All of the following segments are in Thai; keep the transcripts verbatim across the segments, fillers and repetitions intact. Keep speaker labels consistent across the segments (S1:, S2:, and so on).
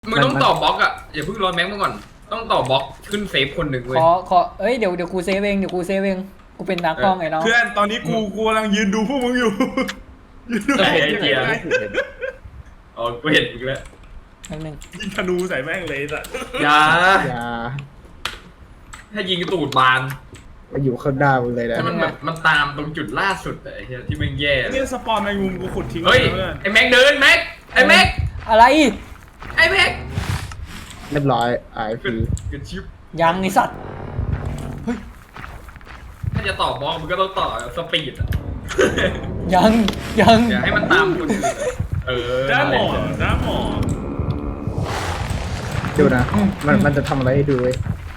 S1: มึงต้องต่อบล็อกอ่ะอย่าเพิ่งรอแม็กมาก่อนต้องต่อบล็อกขึ้นเซฟคนหนึ่งเว้ย
S2: ขอขอเอ้ยเดี๋ยวเดี๋ยวกูเซฟเองเดี๋ยวกูเซฟเองกูเป็นตากล้องไงน้อง
S3: เพื่อนตอนนี้กูกูกำลังยืนดูพวกมึงอยู่ยืนดู
S1: ไอ้
S3: พวกมึง
S1: เหี้ย
S3: ไง
S1: อ๋อกูเห็นอีกแล้ว
S2: นิดนึง
S3: ยิงธนูใส่แม่งเลยสัส
S1: อย่า
S4: อย่า
S1: ถ้ายิงตูดบาน
S4: มาอยู่ข้างหน้ามึงเลยนะ
S1: ถ้ามันแบบมันตามตรงจุดล่าสุดอะไอ้เหี้ยที่มันแย่
S3: เนี่ยสปอนแมงมุมกูขุดทิ้ง
S1: เฮ้ย
S3: เพื่อน
S1: ไอ้แม็กเดินแม็กไอ้แม็ก
S2: อะไร
S1: ไอ้แม็ก
S4: เรียบร้อยไอ
S1: กระ
S4: พี
S1: กระชิบ
S2: ยังไอสัตว์
S1: ถ้าจะต่อบล็อกมันก็ต้องต่อสปีดอะ
S2: ยังยัง
S1: อย่าให้มันตามคนอื่นอะเออ
S3: ด้าหมอด้าหมอ
S4: ดูนะมันมันจะทำอะไรให้ดูเว้ย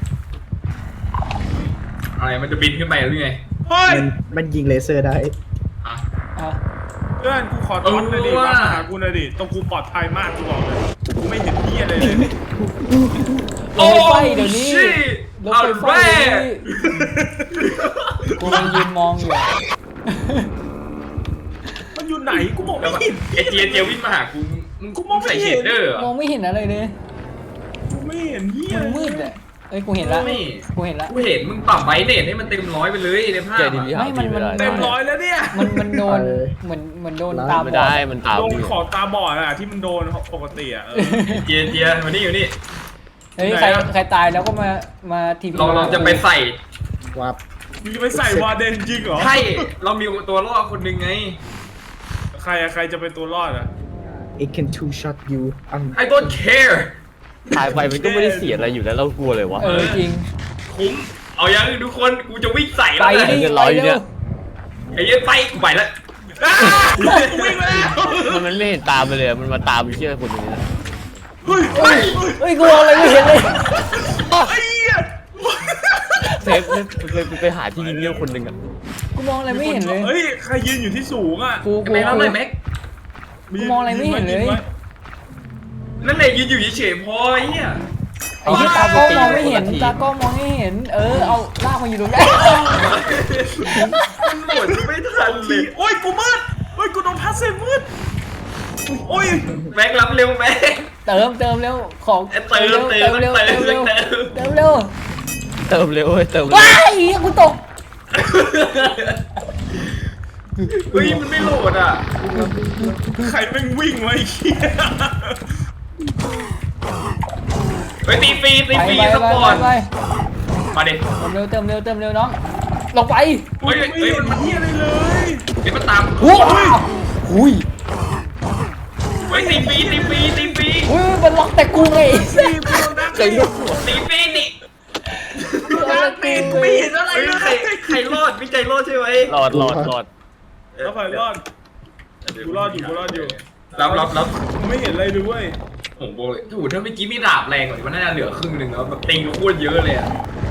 S1: อะไรมันจะบินขึ้นไปหรือไง
S3: เฮ้ย
S4: มันมันยิงเลเซอร์ได้
S1: อ่ะ
S2: อ่ะ
S3: เพื่อนกูขอทอนหน่อยดิ
S1: เออว่ะ
S3: มาหากูหน่อยดิตรงกูปลอดภัยมากกูบอกเลยกูไม่เห็นเหี้ยอะไรเลย
S2: ลงไฟเดี๋ยวนี้
S1: ชิ
S2: ลง
S1: เอา
S2: ไฟไฟ
S1: แม่
S2: เดี๋ยวนี้กูกำลังยืนมองอยู่
S3: มันอยู่ไหนกูมอง
S1: แล้ว
S3: ไม่
S1: แบบ
S3: เห็น
S1: ไอเจียเจียวิ่งมาหากูมึงมึง
S3: กูมองไม่
S1: ใส่
S3: เห็
S1: เช
S3: น
S1: ดเดอร์เหร
S2: มอ
S1: อง
S2: ไม่เห็นอะไรเลย
S3: กูไม่เห็นเหี้ย
S2: มันมืดอ่ะเอ้ยกูเห็นละ
S1: ไม่
S2: กูเห็นละ
S1: กูเห็นมึงปรับไบเนตให้มันเต็มร้อยไปเลยในภาพ
S5: เจ
S1: อะ
S5: ดีพี
S2: ไม่มันมัน
S3: เต็มร้อยแล้วเนี่ย
S2: มันมันโดนเหมือนเหมือนโดนตาบ
S5: ไม่
S2: อ
S5: ได้
S2: ด
S5: มันตาม
S3: โดน
S5: อยู่
S3: ขอบตาบอดอะที่มันโดนปกติอะเออ
S1: เจียเจียมานี่อยู่นี่
S2: เฮ้ย
S3: ไหน
S2: ใคร
S3: อะ
S2: ใครตายแล้วก็มามาทีพี
S1: เราเราจะไปใส่
S4: วับ
S3: มึงจะไปใส่วาเดนจริงเหรอ
S1: ใช่เรามีตัวล่อคนหนึ่งไง
S3: ใครอะใครจะเป็นตัวรอดอะ
S4: it can two shot you อัน
S1: I don't care
S5: ตายไปมันก็ไม่ได้เสียอะไรอยู่แล้วเรากลัวเลยวะ
S2: เออจริง
S1: คุ้มเอายังทุกคนกูจะวิ่งใส่
S2: ไป
S1: แล้วนะ
S2: ดิ
S5: เงิน
S2: ไป
S5: ร้อยอยู่
S2: เร็
S5: เนี่
S2: วย
S1: ไอ้เหี้ยไปกูไปแล้วอ้าวิ่งแล้ว
S5: มันมันไม่เห็นตามไปเลยมันมาตามไปเชื่อคนตรงนี้นะ
S3: เฮ้ย
S2: เฮ้ยเฮ้ยกูมองอะไรไม่เห็นเลย
S3: ไอ้เหี้ย
S5: เซฟไปไปไปหาที่ยิงเงี้ยคนหนึ่งอ่ะ
S2: กูมองอะไรไม่เห็นเลย
S3: เฮ้ยใครยืนอยู่ที่สูงอะ
S2: กู
S1: ไอ้
S2: กู
S1: แม็กรับเลยแม็ก
S2: กูมองอะไรไม่เห็นเลย
S1: นั่นแหละยืนอยู่เฉยๆพอไอ้เหี้ย
S2: ไอ้ที่ตากล้องมองไม่เห็นตากล้องมองไม่เห็น เออเอาลากมาอยู่ตรงนี้
S1: มันหมดไม่ทันเล
S3: ที
S1: ย
S3: โอ้ยกูมืดโอ้ยกูโดนพัดเซมืดโอ้ย
S1: แม็กรับเร็วแม็ก
S2: เติมเติมเร็วของ
S1: เติมเติม
S2: เร็ว
S1: เติม
S2: เติมเร็ว
S1: เติม
S2: เติมเร็ว
S5: เติมเร็วเว้ยเติมเร็ว
S2: ว้ายกูตก
S1: เฮ้ยมันไม่โหลดอ่ะ
S3: ใครแม่งวิ่งไวะไอ้เหี้ย
S1: เฮ้ยตีฟรีตี
S2: ไป
S1: ฟรี
S2: ไป
S1: ส
S2: ไป
S1: ปอร์ต
S2: ไป
S1: มาดิ
S2: เติมเร็วเติมเร็วเติมเร็วน้องลงไป
S1: เฮ้ย
S3: ไม่
S1: เฮ้ย
S3: เห็น
S1: มัน
S3: เหี้ยอะไรเลย
S1: เฮ้ยมันตาม
S2: หูหุย
S1: เฮ้ยตีฟรีตีฟรีตีฟรี
S2: หุยมันล็อกแต่กูไง
S3: สี่กูโดนดัก
S5: ใจลูก
S1: ตีฟรีนี่
S3: ดักปีนกูไม่เห็นอะไร
S1: เฮ้ย
S3: เลย
S1: ใครใครรอดวิจัยรอดใช่ไหม
S5: หลอดหลอดหลอด
S3: แล้วใครรอด กูรอดอยู่กูรอดอยู่
S1: รับรับรับ
S3: กูไม่เห็นอะไรเลยเว้ย
S1: ผมบอกเลยถูกถ้าเมื่อกี้มีดาบแรงกว่านี้มันน่าจะเหลือครึ่งหนึ่งแล้วแบบติงโคตรเยอะเลยอ่ะ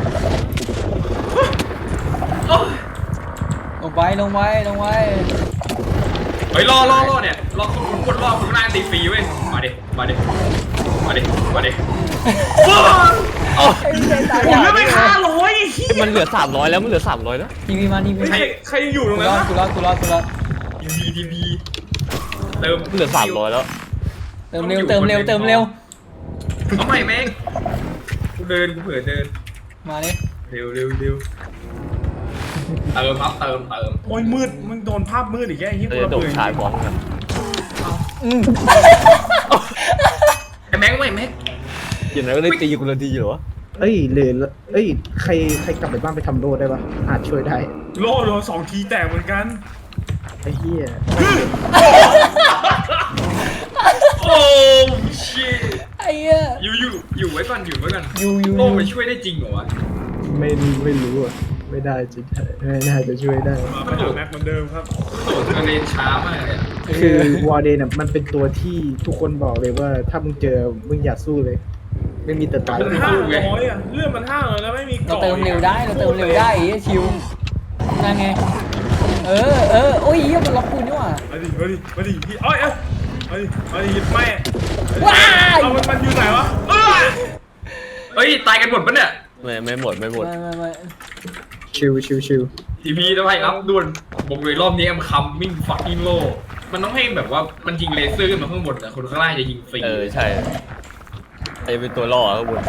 S1: โอ้ย
S2: ลงไปลงไปลงไป
S1: เฮ้ยรอรอรอเนี่ยรอคนคนรอคนหน้าตีฟรีเว้ยมาดิมาดิมาดิมาดิ
S5: โอ้
S2: ไอ้ใจตาย
S3: ผมเลือกไม่ฆ่าร้อยไอ้เหี้ย
S5: มันเหลือสามร้อยแล้วมันเหลือสามร้อยแล้ว
S2: ทีวีมาทีวี
S3: ใครใครยังอยู่ตรง
S2: กู
S3: นั้น
S2: รอด
S3: วะ
S2: กูรอดกูรอดกูรอด
S1: ทีวีทีวีเติม
S5: มันเหลือสามร้อยแล้ว
S2: เติมเร็วเติมเร็วเติมเร็ว
S1: เอาใหม่แม่งกูเดินกูเผื่อเดิน
S2: มาดิ
S1: เร็วเร็วเร็วเติมครับเติมเติม
S3: โอ้ยมืดมึงโดนภาพมืดอีกแค่ไอ้เหี้ย
S5: เรา
S3: กู
S5: จะ
S3: ระ
S5: โด
S3: เบิ
S5: ด
S3: ด
S5: ชายบอลกัน
S2: อืม
S1: ไอ้แม็กไม่แม็ก
S5: อย่างนั้นก็ได้ตีกูละทีเหรอ
S4: เอ้ยหรือเอ้ยใครใครกลับไปบ้านไปทำโลดได้ปะอาจช่วยได้
S3: โลโดนสองทีแตกเหมือนกัน
S4: ไอ้เหี้ย
S1: โอ้ชิต
S2: ไอ้เหี้ย
S1: อยู่อยู่อยู่ไว้ก่อนอยู่ไว้ก่อน
S2: อยู่อยู่
S1: โล่มันช่วยได้จริงเหรอวะ
S4: ไม่ไม่รู้อ่ะไม่ได้จริงไม่น่าจะช่วยได้
S3: มาไปหาแม็กเหมือนเดิมครับ
S1: โดดกระเด็นช้ามากเลยอะ
S4: คือวอร์เดนอ่ะมันเป็นตัวที่ทุกคนบอกเลยว่าถ้ามึงเจอมึงอย่าสู้เลย ไม่มีแต่ตาย
S3: มันห้าร้อยอ่ะเลื่อนมันห้าร้อยแล้วไม่มี
S2: เรา
S3: เกาะ
S2: เติมเร็วได้เราเติมเร็วได้ไอ้เหี้ยชิวนั่นไงเออเออโอ้ยเหี้ยมันล็อกกูนี่หว่า
S3: มาดิมาดิมาดิพี่เอ้ยเอ้ยมาดิมาดิหยิบแม่
S2: ว้าย
S3: เอามันมันอยู่ไหนวะเออ
S1: เฮ้ยตายกันหมดปะเนี่ย
S5: ไม่ไม่หมดไม่หมด
S2: ไม่ไม่ไม่
S4: ชิวชิวชิว
S1: ทีพีทำไมรับด่วนบอกเลยรอบนี้แอมคัมมิ่งฟักกิ้งโลมันต้องให้แบบว่ามันยิงเลเซอร์ขึ้นมาข้างบนนะคนข้างล่างจะยิงฟรี
S5: เออใช่จะเป็นตัวล่อข้างบน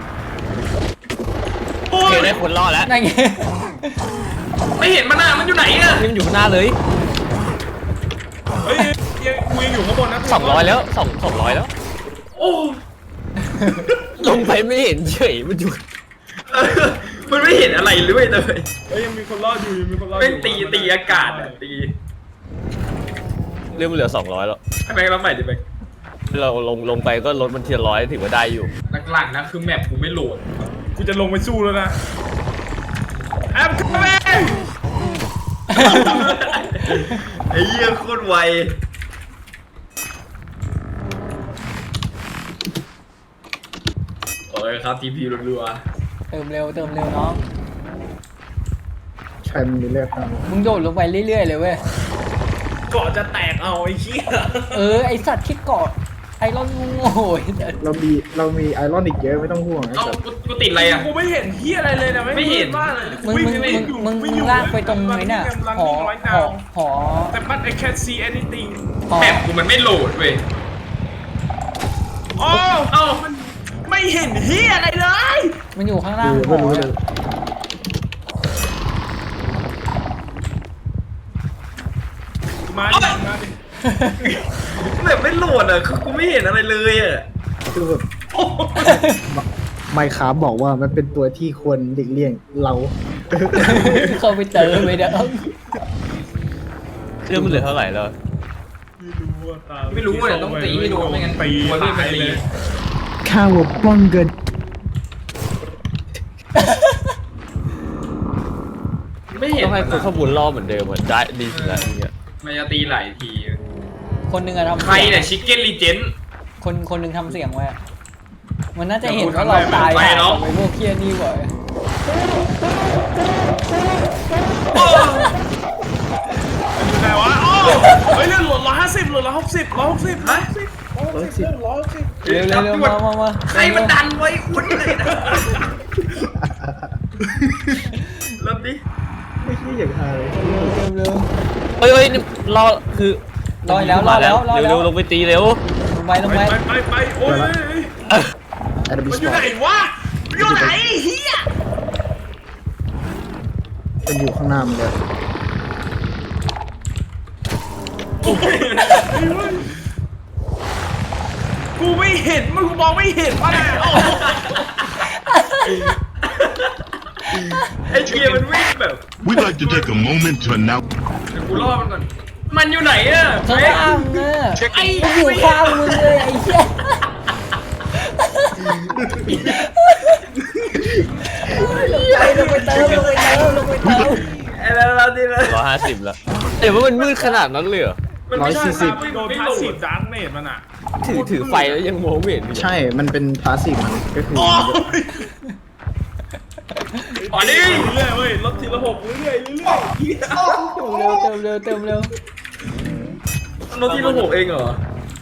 S3: โอ้
S5: โอย เคได้คนล่อแล้ว
S2: นั่นไง
S1: ไม่เห็นมันอ่ะมันอยู่ไหนอ่ะ
S5: นี่มันอยู่ข้างหน้าเลย
S3: เฮ้ยยังกูยังอยู่ข้างบนนะ
S5: สองร้อยแล้วสองสองร้อยแล้ว
S1: โอ้
S5: ลงไปไม่เห็นเฉยมันอยู่
S1: เออมันไม่เห็นอะไรเลยเลย
S3: เฮ้ยยังมีคนรอดอยู่ยังมีคนรอดอ
S1: เป็น
S3: ยู่
S1: ตีตีอากาศอ่ะตี
S5: เรื่องมันเหลือสองร้อยแล้ว
S1: ให้แบงค์รับใหม่ดิแบงค์
S5: เราลงลงไปก็ลดมันทีละร้อยถือว่าได้อยู่
S1: หลักๆนะคือแมปกูไม่โหลด
S3: กูจะลงไปสู้แล้วนะแอมคัมเอง
S1: ไอ้เหี้ยโคตรไวโอ้ยครับทีพีรัว
S2: เติมเร็วเติมเร็วน้อง
S4: ใช่มันมีเลือดครับ
S2: มึงโดดลงไปเรื่อยๆเลยเว้ย
S3: ก่อนจะแตกเอาไอ้เหี้ย
S2: เออไอสัตว์คิดเกาะไอรอนงูโง่ย
S4: เรามีเรามีไอรอนอีกเยอะไม่ต้องห่วง
S1: ๆ
S4: นะ
S1: เอ้า
S4: ครับ
S1: กูกูติดอะไรอ่ะ
S3: กูไม่เห็นเหี้ยอะไรเลยนะ
S1: ไม่เห็น
S3: บ้าเลย
S2: มึงมึงมึงมึงมึงลากไปตรงไหนน่ะหอหอหอ
S3: แต่มัน I can't see anything
S2: หอ
S1: แมปกูมันไม่โหลดเว้ย
S3: โอ้
S1: เอ้า
S3: มันไม่เห็นเหี้ยอะไรเลย
S2: มันอยู่ข้างล่าง
S4: คือ
S2: ห
S4: ไม่
S2: อ
S4: รู้เลย
S3: มาดิมาดิ
S1: แบบไม่โหลดอ่ะคือกูไม่เห็นอะไรเลยอ่ะ
S4: คือแบบไมค์คราฟบอกว่ามันเป็นตัวที่ควรหลีกเลี่ยงเรา
S2: เข้าไปเติมไปเด้อ
S5: เรื่องมันเหลือเท่าไหร่แล้ว
S3: ไม่รู้ว่าตา
S1: ไม่รู้ว่าเนี่ยต้องตีให้โดนไม่งั้น
S3: ตี
S1: มันเลื่อนมันตี
S4: ข้าวป้องกัน
S1: ไม่เห็น
S5: ต้องให้
S1: มัน
S5: คน
S1: อะ
S5: ข้างบนล่อเหมือนเดิมเหมือนได้ดีสุดแล้วอย่างเงี้ย
S1: มันจะตีหลายที
S2: คนหนึ่งอะทำ
S1: ใครเนี่ยชิคเก้นรีเจน
S2: คนคนหนึ่งทำเสียงไว้อะมันน่าจะเห็นว่าเราตาย
S1: ไปเนอะ
S2: ไปพวกเคียนี่บ่อย
S3: อยู่ไหนวะโอ้เฮ้ยเรื่องหลดร้อยห้าสิบหลดร้อยหกสิบร้อยหกสิบ
S1: ฮะ
S3: ร้อยหกสิบร้อยหกสิบ
S2: เร็วเร็วเร็วมามามา
S1: ใครมันดันไว้คุณเลยนะเริ่มดิ
S4: ไม่ใช่อย่างฮาเลย
S2: เร็วเร็วเร็ว
S5: เฮ้ยเฮ้ยนี่รอคือ
S2: รอแล้วรอแล้วรอแล้ว
S5: เร็วๆลงไปตีเร็ว
S2: ลงไปลง
S3: ไป
S2: ไป
S3: ไปไปไปโอ้ย
S4: แอดมิ
S3: มัน
S4: ส
S3: อยู่
S4: ปอ
S3: ไหน
S4: ร์ต
S3: วะอยู่ไหนเฮีย
S4: มันอยู่ข้างหน้ามันเลย
S3: กูไม่เห็นมึงมองไม่เห็นวะเนี่ยโอ้
S1: ไอ้เกียร์มันวิ่งแบบ
S6: We'd like to take a moment to announce
S1: เดี๋ยวกูล่อมันก่อนมันอยู่ไหนอ่ะ
S2: ข้างล่างอะไอ้อยู่ข้างมึงเลยไอ้เหี้ยลงไปเติมลงไปเติมลงไปเติม
S1: ไอ้แล้วเราดิเลย
S5: ร้อยห้าสิบแล้วเดี๋ยวว่ามันมืดขนาดนั้นเลยเหรอ
S1: มันไม่ใช่ครับ
S3: โดน
S1: ไม่
S3: พา
S1: โหล
S3: สซีฟ
S1: ด
S3: ดาร์กเนตมันอ่ะ
S5: ถือถือไฟแล้วยังมองไม่เห็นเลย
S4: ใช่ มันเป็นพาสซีฟมันก็คือ
S3: โอ้ย
S1: อ๋อนี่
S3: เรื่อยๆเว้ยลดทีละหกเรื่อยๆเรื่อยๆเฮีย
S2: เติมเร็วเติมเร็ว
S1: โนตที่เราหกเองเหรอ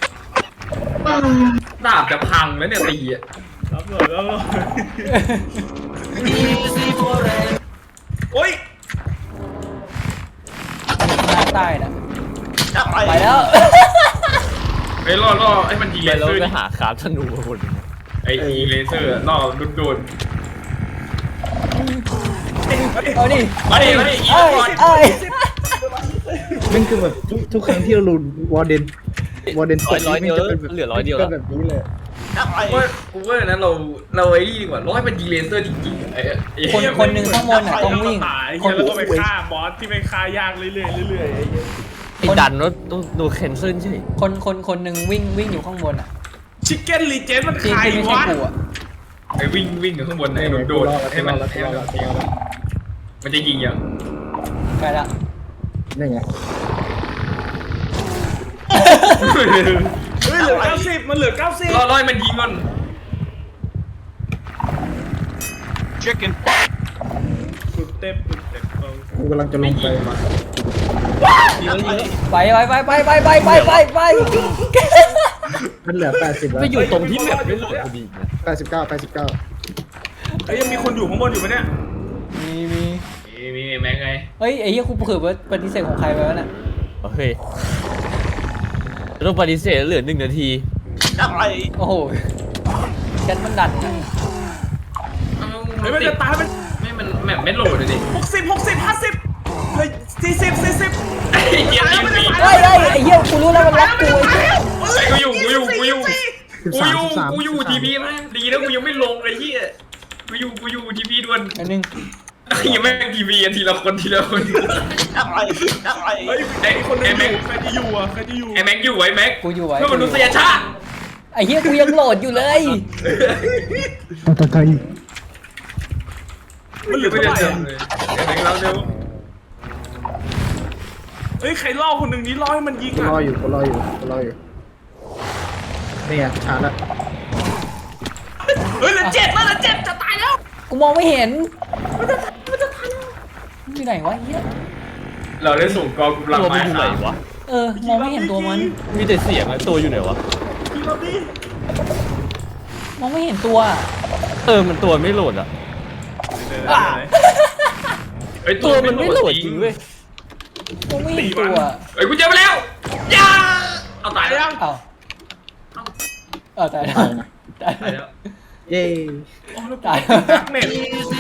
S1: ดาบจะพังแล้วเนี่ยตีอ่ะ
S3: รับเลยรับเลยโอ้ย
S2: หน้าใต้น่ะ
S3: ไป
S2: ไปแล้ว
S1: ไอ้ล่อล่อไอ้มันยิง
S5: ไป
S1: เล
S5: แล้ว
S1: เซอร์
S5: ไป
S1: ดิ
S5: หาคราฟธนูมาหมด
S1: ไอ้ยิงเลเซอร์ล่อดุนโดน
S2: เอาดิ
S1: มาดิมาดิยิง
S2: เอ้ย
S1: ก่อน
S2: เอ้ย
S4: มันคือแบบทุกทุกครั้งที่เราลุ้นวอร์เดนวอร์เดน
S5: ร้อยร้อยเดียว
S4: จะเป็นแบบ
S5: เหลือร้อยเดียว
S4: ก็
S5: แล้ว
S4: แบบนี้เลย
S1: กูว่ากูว่านั้นเราเราไอ้นี่ดีกว่าล่อให้มันยิงเลเซอร์จริงๆไอ้ไอ้
S2: คนคนหนึ่งข้างบนอ่ะต้องวิ่ง
S3: คนแล้วก็ไปฆ่าบอสที่ไปฆ่ายากเรื่อยๆเรื่อยๆไอ้เหี้ย
S5: ไอ้ดันแล้วต้องโดนแคนเซิลใช่ไหม
S2: คนคนคนหนึ่งวิ่งวิ่งอยู่ข้างบนอ่ะ
S3: ชิคเก้นรีเจนมัน
S2: ที่
S3: ใคร
S2: ที่ไม่ใช่
S3: วะ
S2: กูอ่ะ
S1: ไอ้วิ่งวิ่งกับข้างบนไอ้โดนโดนให้มันให้มันยิงมันจะยิงยัง
S2: ใกล้ละ
S4: นี่ไง
S3: เฮ้ยเหลือเก้าสิบมันเหลือเก้าสิบ
S1: ล่อล่อให้มันยิงก่อน
S3: สุดเต็มสุดเต็มเออ
S4: กูกำลังจะล
S1: ไม่
S4: ง
S1: ยิ
S4: ไป
S1: งมา
S2: ไปไปไปไปไปไปไปไปไป
S4: มันเหลือแปดสิบแล้ว
S5: ไปอยู่ตรงที่แบบไม่โหลดพอดีนะ
S4: แปดสิบเก้าแปดสิบเก้า
S3: เอ้ยยังมีคนอยู่ข้างบนอยู่ไหมเนี่ย
S2: มีมี
S1: มีมีแม็กไง
S2: เฮ้ยไอ้เหี้ยกูเผื่อว่าปฏิเสธของใครไปวะน่ะ
S5: โอเคต้องปฏิเสธเหลือหนึ่งนาที
S3: อะไร
S2: โอ้โหแชทมันดันอะ
S3: เฮ้ยมันจะตายมัน
S1: ไม่มันแมปไม่โหลดเลยดิ
S3: หกสิบหกสิบห้าสิบเฮ้ยสี่สิบสี่สิบ
S1: ไอ้เหี้ยทีวี
S2: เฮ้ยเฮ้ยไอ้เหี้ยกูรู้แล้วมันล็อกกูไอ้เหี้ย
S1: ไอ้กูอยู่กูอยู่กูอยู่
S4: สิบ
S1: กู
S4: สา
S1: อ
S4: ม
S1: ยู่
S4: สิบสาม
S1: กูอยู่ทีพีนะดีนะกูยังไม่ลงไอ้เหี้ยกูอยู่กูอยู่ทีพีด่วน
S2: อันนึง
S1: ยังไม่ทีวีทีละคนทีละคน
S5: อะไรอะไร
S3: เฮ้ยไอ้คนนึงอยู่ใครจะอยู่อ่ะใครจะอยู่
S1: ไอ้แม็กอยู่ไอ้แม็ก
S2: กูอยู่ไว้
S1: เพื่อมนุษยชาติ
S2: ไอ้เหี้ยกูยังโหลดอยู่เลย
S4: ต่อต่อต่ออีก
S3: มันเหลือ
S1: ไม่
S3: เท่า
S1: ได้
S3: ไหร่
S1: เจอ
S3: อะ
S1: เลยไอ้แม็กเราเร็ว
S3: เฮ้ยใครล่อคนหนึ่งนี้ล่อให้มันยิง
S4: กู
S3: อ่ะ
S4: รออยู่กูรออยู่กูรออยู่นี่ไงชาร์จละ
S3: เฮ้ยเหลือเจ็ดแล้วเหลือเจ็ดจะตายแล้ว
S2: กูมองไม่เห็นอยู่ไหนวะไอ้เหี้ย
S1: เราได้ส่งกองกำลัง
S5: ตัวมั
S1: มาน
S5: อยู่ไหนวะ
S2: เออมองไม่เห็นตัวมัน
S5: มีแต่เสียงอะตัวอยู่ไหนวะ
S3: ยิงเราดิ
S2: มองไม่เห็นตัว
S5: เออมันตัวไม่โหลดอะ
S2: อ่ะ
S1: ไอ้
S5: ตัวมันไม่โหลดจริงเว้ย
S2: มองไม่เห็นตัว
S1: ไอ้กูเจอมาแล้วย่าเอาตายแล้ว
S2: เอ้าเออตายแล้วตาย
S1: ตาย
S2: แล้
S1: แล้ว ว
S4: เย้
S2: ตาย
S3: ดักเน็ต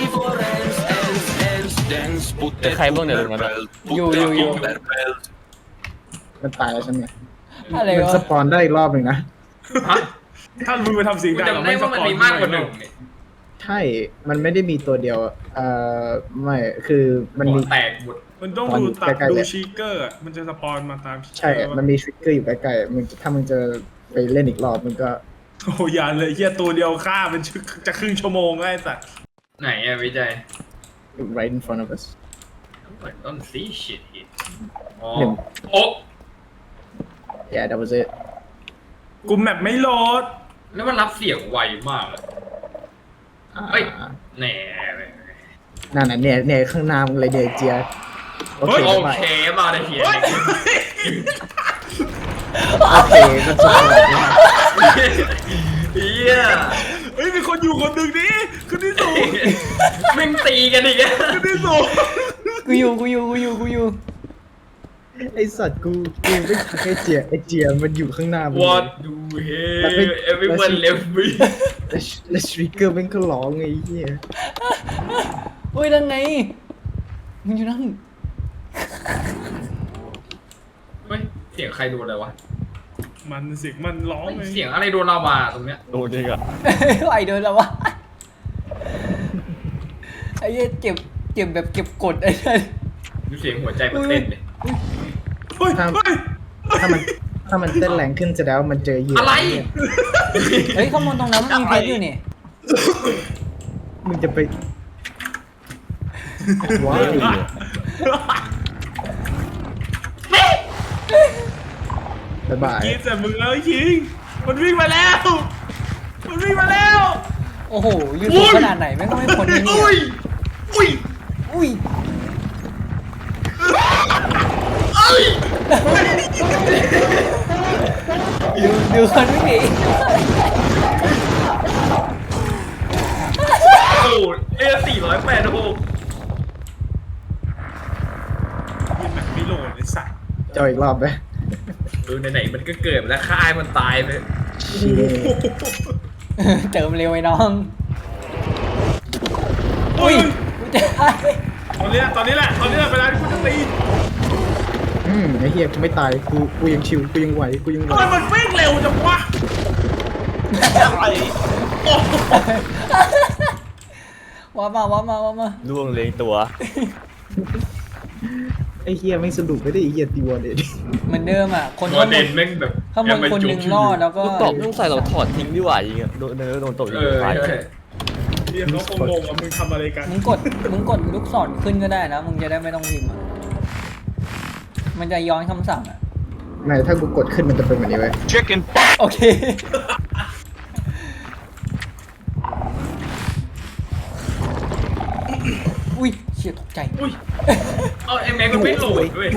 S5: แต่ใครบ้างเนี่ยตรงนั้นอะ
S2: อยู่อยู่อยู่
S4: มันตายแล้วใช่ไหม
S2: อะไร
S4: มัน
S2: วะ
S4: สปอนได้อีกรอบหนึ่งนะ
S1: ฮะ
S3: ถ้ามึงไปทำเสียง
S1: กู
S3: ดัง
S1: จำได้ว่ามันมีมากกว่าหนึ่ง
S4: ใช่ มันไม่ได้มีตัวเดียวเอ่อไม่คือมันมี
S1: แตกหมด
S3: มันต้องดูตัด
S4: ใกล้ๆ
S3: ดู
S4: เลย
S3: ชีเกอร์อะมันจะสปอนมาตาม
S4: ใช่ มันมีทริกเกอร์อยู่ใกล้ๆมึงถ้ามึงจะไปเล่นอีกรอบมึงก็
S3: โอ้ยอย่าเลยเฮียตัวเดียวฆ่ามันจะครึ่งชั่วโมงแล้วไอ้สัตว์
S1: ไหนอะวิจัย
S4: right in front of us
S1: ต้นซีชิตอ๋อ
S4: หนึ่ง
S1: โอ้
S4: yeah that was it
S3: กูแมปไม่โหลด
S1: แล้วมันรับเสียงไวมากเลย
S4: อ่า
S1: เฮ้ยแหน่
S4: นั่นน่ะเนี่ยเนี่ยข้างหน้ามึงเลยเนี่ยเจียโอเค
S1: โอ
S4: ไป
S1: เคมาได้เฮีย
S4: โอเคมันสปอนได้
S1: เฮีย
S3: เฮ้ยมีคนอยู่คนหนึ่งนี่คนที่สูง
S1: แม่งตีกันอีกอะ
S3: คนที่สูง
S2: กูอยู่กูอยู่กูอยู่กูอยู่
S4: ไอสัตว์กูกูไม่ทักไอเจียไอเจียมันอยู่ข้างหน้ามึง
S1: วอดดูเฮ everyone left me
S4: แล้วแล้วทริกเกอร์มันก็ร้องไอ้เหี้ย
S2: เฮ้ยนั่นไงมึงอยู่นั่น
S1: เฮ้ยเสียงใครโดนอะไรวะ
S3: มันเสียงมันร้องเลย
S1: เสียงอะไรโดนลาวาตรงเนี้ย
S5: โดนจริงอะ
S2: ไอเดินแล้ววะไอ้เหี้ยเก็บเก็บแบบเก็บกดไอ้เนี่ย
S1: ดูเสียงหัวใจมันเต้นเลย
S3: เฮ้ยเฮ้ย
S4: ถ้ามันถ้ามันเต้นแรงขึ้นแสดงว่ามันเจอเหยื่อ
S1: อะไร
S2: เฮ้ยข้างบนตรงนั้นมันมีเพชรอยู่นี่
S4: มึงจะไปว้ายบ๊ายบาย
S3: กินแต่มึงแล้วคิงมันวิ่งมาแล้ว มันวิ่งมาแล้ว
S2: โอ้โหอยู่สูงขนาดไหนแม่งก็ไม่พ้นนี่
S1: อุ้ยอุ้ย
S2: อุ้ย ดูดูคนวิ่งหนี
S1: โอ้เอสี่ร้อยแปดหก
S3: มันแบบไม่โหลดไอ้สัตว์
S4: เจออีกรอบไหม
S1: เออไหนๆมันก็เกิดแล้วฆ่าให้มันตายไป
S4: เชี่ย
S2: เติมเร็วไอ้น้อง
S3: อุ้ย
S2: กูจะตาย
S3: ตอนนี้ตอนนี้แหละ ตอนนี้แหละเวลาที่กูจะตี
S4: อืมไอ้เหี้ยกูไม่ตายกูกูยังชิวกูยังไหวกูยังไหว
S3: ทำไมมันวิ่งเร็วจังวะอะไรโอ้โห
S2: ว้ามาว้ามาว้ามา
S5: ล่วงเลยตัว
S4: ไอ้เหี้ยไม่สนุกไม่ได้ไอ้เหี้ยตีวอร์เดน
S2: เหมือนเดิมอ่ะ คน
S1: ตัว
S2: ข้างบ
S1: เด่
S2: น
S1: นแม่งแบบ
S2: ข้างบนคนหนึ่งรอดแล้วก็
S5: ลูกตอบต้องใส่เราถอดทิ้งดีกว่ายิงอะโดนโดนตบยิ
S1: เอง อ
S5: ตาย
S1: ใช่
S3: เรียกเขาคงงงว่ามึงทำอะไรกัน
S2: มึงกดมึงกดลูกศรขึ้นก็ได้นะมึงจะได้ไม่ต้องพิมพ์อะมันจะย้อนคำสั่งอ่ะ
S4: ไม่ถ้ากูกดขึ้นมันจะเป็นแบบนี้เว้ย
S6: Chicken
S2: โอเค อุ้ยเชี่ยตกใจ
S1: อุ้ยเอาไอ้แม็กมันไม่โหลดด้วย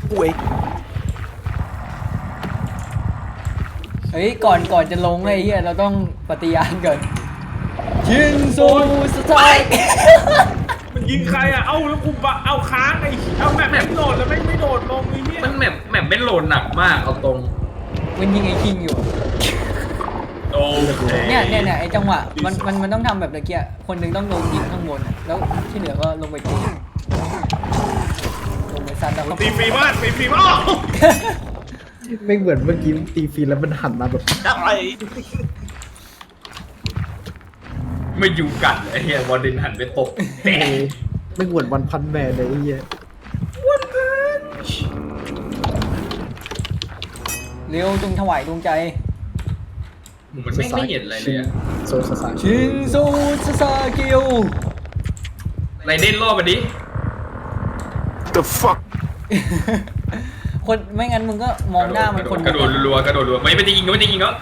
S2: เฮ้ยก่อนก่อนจะลงไอ้เหี้ยเราต้องปฏิญาณก่อนชินซูสไตล์
S3: มันยิงใครอ่ะ เอ้าแล้วกูบะเอาค้างไอ้เอาแมปไม่โหลดแล้วไม่ไม่โดดลงไอ้เนี่ย
S1: มันแมปแมปไม่โหลดหนักมากเอาตรง
S2: มันยิงไอ้คิงอยู่
S1: มโอ้เค
S2: เนี่ยเนี่ยเนี่ยไอ้จังหวะมันมันมันต้องทำแบบตะเกียคนหนึ่งต้องลงยิงข้างบนอะแล้วที่เหลือก็ลงไปตีลงไปซัดแล้วก็
S3: ตีฟรีมากตีฟรีมาก
S4: ไม่เหมือนเมื่อกี้ตีฟรีแล้วมันหันมาแบบ
S3: อะไร
S1: ไม่อยู่กันไอ้เหี้ยวอร์เดนหันไปตบ
S4: เอ้ยไม่เหมือนวันพันแมนเลยไอ้เหี้ย
S2: เร็วจงถวายดวงใจ
S1: มันไม่ไม่เห็นอะไรเลยอะ
S4: โซซาซา
S2: ชินซูซาซากิโอ
S1: ไรเด่นล่อไปดิ
S6: The fuck?
S2: คนไม่งั้นมึงก็มองหน้ามันคน
S1: กระโดดรัวๆกระโดดรัวไม่ไม่จะยิงก็ไม่จะยิงก็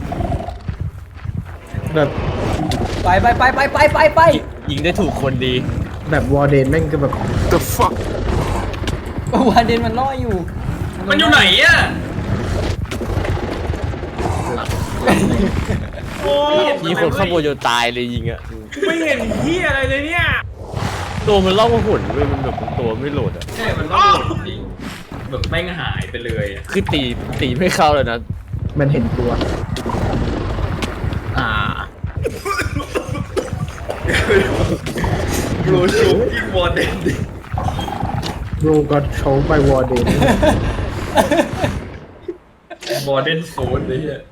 S4: แบบ
S2: ไปไปไปไปไปไปไป
S5: ยิงได้ถูกคนดี
S4: แบบวอร์เดนแม่งก็แบบ
S6: The fuck?
S2: วาเดนมันล่ออยู่
S1: มันอยู่ไหนอะ
S3: โอ้ย
S5: มีคนข้างบนจนตายเลยยิงอะ
S3: ไม่เห็นเหี้ยอะไรเลยเนี่ย
S5: ตัวมันล่องมาหุ่นเว้ยมันแบบตัวไม่โหลดอะ
S1: ใช่มันล่อจริงแบบแม่งหายไปเลยอะ
S5: คือตีตีไม่เข้าเลยนะ
S4: มันเห็นตัว
S5: อ่า
S1: โรชูยิงวอร์เดนดิ
S4: โรก็โชว์ไปวอร์เดน
S1: วอร์เดนโซนเลยอะ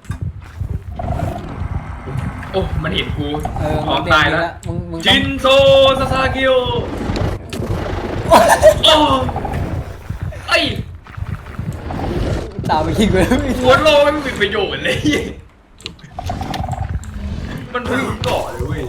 S1: โอ้ มันเห็นกู
S2: เออ
S1: พร้อม
S2: มึง
S1: ตายแล้ว
S2: มึงมึงต้
S1: จิ
S2: อง
S1: นโซซาซากิโอโอ้ไอ้
S2: ตามไปยิงไป
S1: หัวโลไม่มีประโยชน์เลย มันพึ่งเกาะเลยเว้ย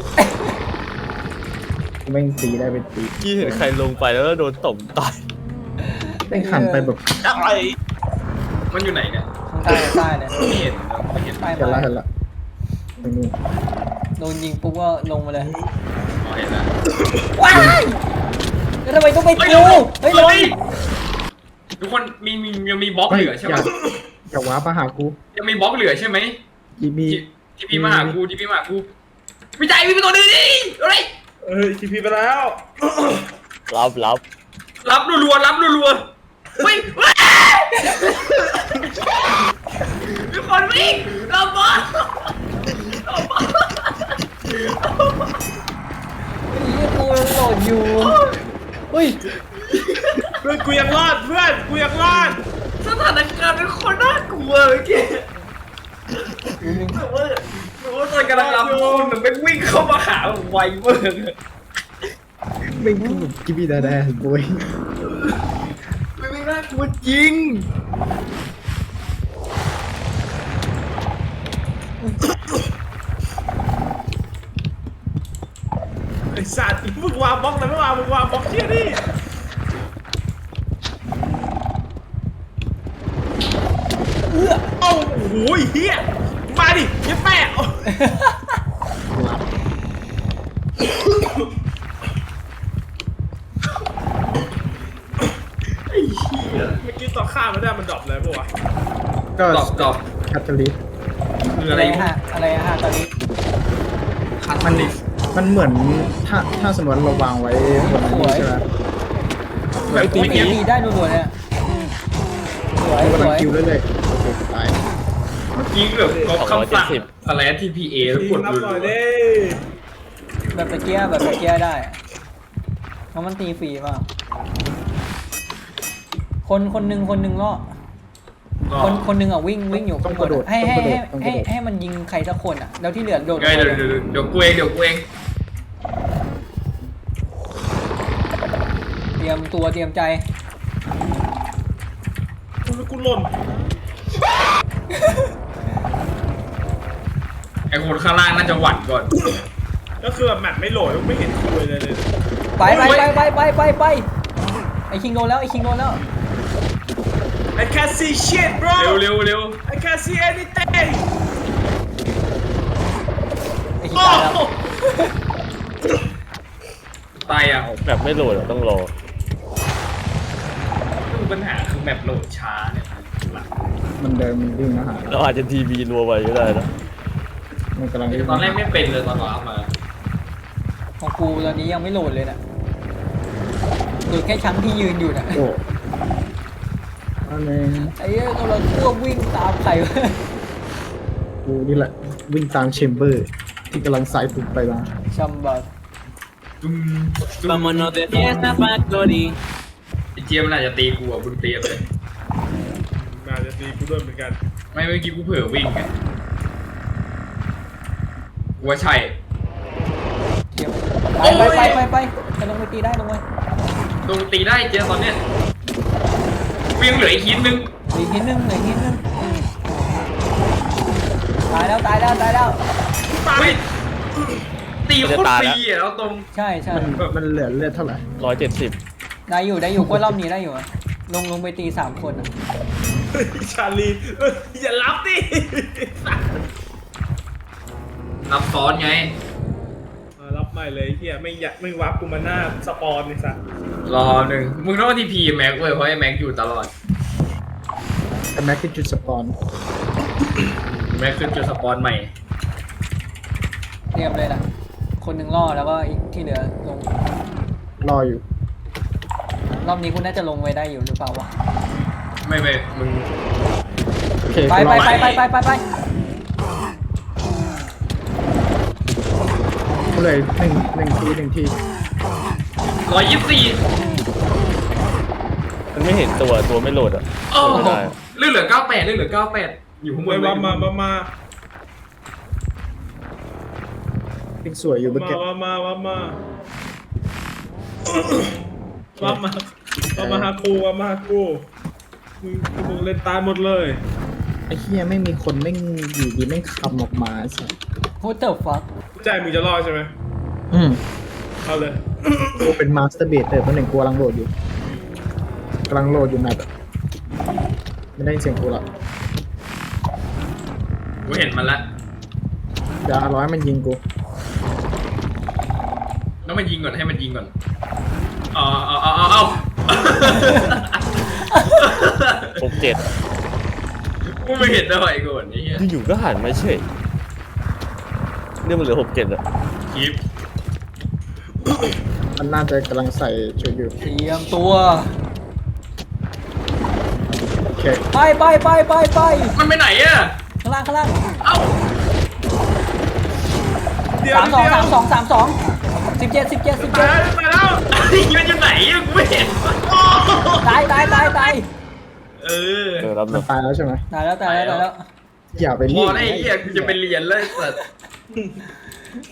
S4: แม่งตีได้เป็นตี
S5: ที่เห็นใครลงไปแล้วก็โดนตบตาย
S4: แม่งหันไปแบบ
S3: อะไร
S1: มันอยู่ไหนเนี่ย
S2: ใต้ใต้เลย
S1: ไม่เห็นนะไม่เห็น
S2: ใต้
S4: เห็นละ
S2: มา
S4: เห็นละตรงนู้น
S2: โดนยิงปุ๊บก็ลงมาเลย
S1: อ๋อเห็นแล้ว
S2: ว้ายแล้วทำไมต้องไป
S1: เฮ้ย
S2: กู
S1: เร็ว
S2: เฮ้ย
S1: เร็
S2: ล
S1: ว
S2: ง
S1: ดิทุกคนมีมียังมีบล็อก
S4: ไม่
S1: เหลือใช่
S4: อ
S1: ไหม
S4: ย่าอย่าว้ามาหากู
S1: ยังมีบล็อกเหลือใช่ไหม
S4: อีมี
S1: ที่ที่พี่มาหากูที่พี่มาหากูวิจัยพี่เป็นตัวนึงดิอะไร
S3: เอ้ยทีพีไปแล้ว
S5: รับรับ
S1: รับรัวๆรับรัวๆเฮ้ยเฮ้ยมีคนวิ่งรับบอลรับบอล
S2: ไอ้กูยังโหลดอยู่เฮ้ย
S3: เพื่อนกูยังรอดเพื่อนกูยังรอด
S1: สถานการณ์เป็นคนน่ากลัวเมื่อกี้แต่ว่าแต่ว่าตอนกำลังรับคนมันไม่วิ่งเข้ามาหาผมไวมาก
S4: แม่งคือแบบกิบบี้ดาแดนบอย
S1: ไม่ไม่น่ากลัวจริง
S3: ไอ้สัตว์มึงวางบล็อกเลยไม่วางมึงวางบล็อกเชี่ยดิเอ้าโอ้โหเฮียมาดิเหี้ยัแปะ
S1: ไอ้เหี้ย
S3: เมื่อกี้ต่อข้ามไม่ได้มันดรอปเลยปะวะ
S4: ก็
S1: ตอบตอบ
S4: แคทเธอรีน
S1: คือ
S2: อะ
S1: อะไร ไร
S2: ฮะอะไรฮะตอนนี้
S1: คันมันดิ
S4: มันเหมือนถ้าถ้าสมมติเราวางไว้บนนี้ใช่ไหม
S1: แบบ
S2: ตี
S1: เมื่อกี้
S2: ตีได้รัวๆเนี่ยสวย
S4: กำ
S2: ส
S4: ลัง
S2: วย
S4: คิวเรื่อยๆโอเคตาย
S1: เมื่อกี้แบบก็คำสั่งอะไรทีพีเอแล้ว
S3: ที
S1: กด
S3: นับ
S1: ดู
S3: หน่อยดิ
S2: แบบตะเกียบแบบตะเกียบได้เพราะมันตีฟรีมากคนคนหนึ่งคนหนึ่งก็คนคนหนึ่งอ่ะวิ่งวิ่งอยู่ข้างบนอะให้ให้ให้ให้ให้มันยิงใครสักคนอ่ะแล้วที่เหลือโดด
S1: ไงเดี๋ยวเดี๋ยวเดี๋ยวกูเองเดี๋ยวกูเอง
S2: เตรียมตัวเตรียมใจ
S3: กูกูหล่น
S1: ไอ้คนข้างล่างน่าจะหวั่นก่อน
S3: ก็คือแบบแมปไม่โหลดไม่เห็นคุยเลยเลย
S2: ไปไปไปไปไปไปไปไอคิงโดนแล้วไอคิงโดนแล้ว
S3: I can't see shit bro
S1: เร็วเร็วเร็ว
S3: I can't see anything
S2: ไอคิงตายแล้ว
S1: ตายอ่ะ
S5: แบบไม่โหลดอะต้องรอ
S1: คือปัญหาคือแมปโหลดช้าเนี่ยหลัก
S4: มันเดินมันวิ่งมาหา
S5: เราอาจจะทีวีรัวไปก็ได้นะ
S4: มันกำลังวิ่ง
S1: ตอนแรกไม่เป็นเลยตอนรับมา
S2: ของกูตอนนี้ยังไม่โหลดเลยน่ะโหลดแค่ชั้นที่ยืนอยู่น่ะ
S4: โอ้อันนี้
S2: ไอ้เหี้ยกำลังควบวิ่งตามใครวะ
S4: กูนี่แหละวิ่งตามแชมเบอร์ ที่กำลังสายตุกไปมา
S2: ชัมบัส
S1: ตุ้มตุ้ม
S7: Vámonos de fiesta factory.
S1: ไอ้เจี๊ยบมันอาจจะตีกูอ่ะมึงเตรียมเลย
S3: น่าจะตีกูด้วยเหมือนกัน
S1: ไม่เมื่อกี้กูเผลอวิ่งไงกูว่าใช่
S2: เดี๋ยวไปไปไปไปไปลงไปตีได้ลงไป
S1: ตรงตีได้เจี๊ยบตอนเนี้ยกูยังเหลืออีกหินนึง
S2: อีกนิดนึงอีกนิดนึงตายแล้วตายแล้วตายแล้ว
S1: เฮ้ยตีโคตรฟรีอ่ะเอาตรง
S2: ใช่ใช่
S4: มันมันเหลือเลือดเท่าไหร่
S5: ร้อยเจ็ดสิบ
S2: ได้อยู่ได้อยู่ก็รอบนี้ได้อยู่อะลงลงไปตีสามคนอะ
S3: เฮ้ยชาลีเอ้ยอย่ารับดิ
S1: นับซ้อนไง
S3: อ่ารับใหม่เลยเฮียไม่อยากไม่วับกูมาหน้าสปอนนี่สัส
S1: รอหนึ่งมึงต้องทีพีแม็กเว้ยเพราะไอ้แม็กอยู่ตลอด
S4: แต่แม็กคือจุดสปอน
S1: แม็กขึ้นจุดสปอนใหม่
S2: เตรียมเลยนะคนหนึ่งล่อแล้วก็อีกที่เหลือลง
S4: รออยู่
S2: รอบนี้คุณน่าจะลงไว้ได้อยู่หรือเปล่าวะ
S1: ไม่ไม่มึง
S4: โอเค
S2: ไป
S4: กูร
S2: ไป
S4: อ
S2: ไปไปไปไปไป
S4: กูเลยหนึ่งหนึ่งทีหนึ่งที
S1: ร้อยยี่สิบสี่
S5: มันไม่เห็นตัวตัวไม่โหลดอ่ะ
S1: โอ้
S5: โหลดไม่ได้
S1: เรื่องเหลือเก้าแปดเรื่องเหลือเก้าแปดอยู่ข้างบ
S3: ไป
S1: น
S3: วับมาวับมา
S4: เป็นสวยอยู่เมื่อ
S3: มา
S4: กี้
S3: วับมาวับมาวับมาวับมาหากูวับมาหากูมึงมึงเล่นตายหมดเลย
S4: ไอ้เฮียไม่มีคนไม่งอยู่ดีไม่งคำออกมาสิ
S2: โฮเตอร์ฟัก
S3: ใจมึงจะรอดใช่ไหม
S4: อืม
S3: เอาเลย
S4: กูเป็นมาสเตอร์เบเตอร์เพราะหนึ่งกูกำลังโหลดอยู่กำลังโหลดอยู่แมปอะไม่ได้ยินเสียงกูละ
S1: กูเห็นมันละ
S4: เดี๋ยวร้อยมันยิงกู
S1: ต้องมันยิงก่อนให้มันยิงก่อนเอาเอาเอาเอาเอา
S5: หกเจ็ด
S1: กูไม่เห็นด้วยก่อนไอ้เหี้ย
S5: อยู่ๆก็หันมาเฉยเนี่ยมันเหลือหกเจ็ดอ่ะ
S1: คลิป
S4: มันน่าจะกำลังใส่ชุดอยู่
S2: เตรียมตัว
S4: โอเค
S2: ไปไปไปไปไป
S1: มันไปไหนอะ
S2: ข้างล่างข้างล่าง
S1: เอ้า
S3: เดี๋ยว
S2: สามสอง
S3: เดี๋ยว
S2: สามสองสามสองสิบเจ็ดสิบเจ็ดสิบเจ็
S1: ตา
S2: ด
S1: ยแล้วตายแล้วไอ้เหี้ยมันอยู่ไหนอะกูไม่เห็นโอ้
S2: ตายตายตายตาย
S1: เออ
S5: เออรับ
S4: มั
S5: นะ
S4: นตายแล้วใช่ไหม
S2: ตายแล้วตายแล้วตายแล้ว
S4: อย่าไป
S1: พ
S4: รี
S1: อบ แล้วไอ้เหี้ยกูจะไปเรียนเลยสัตว์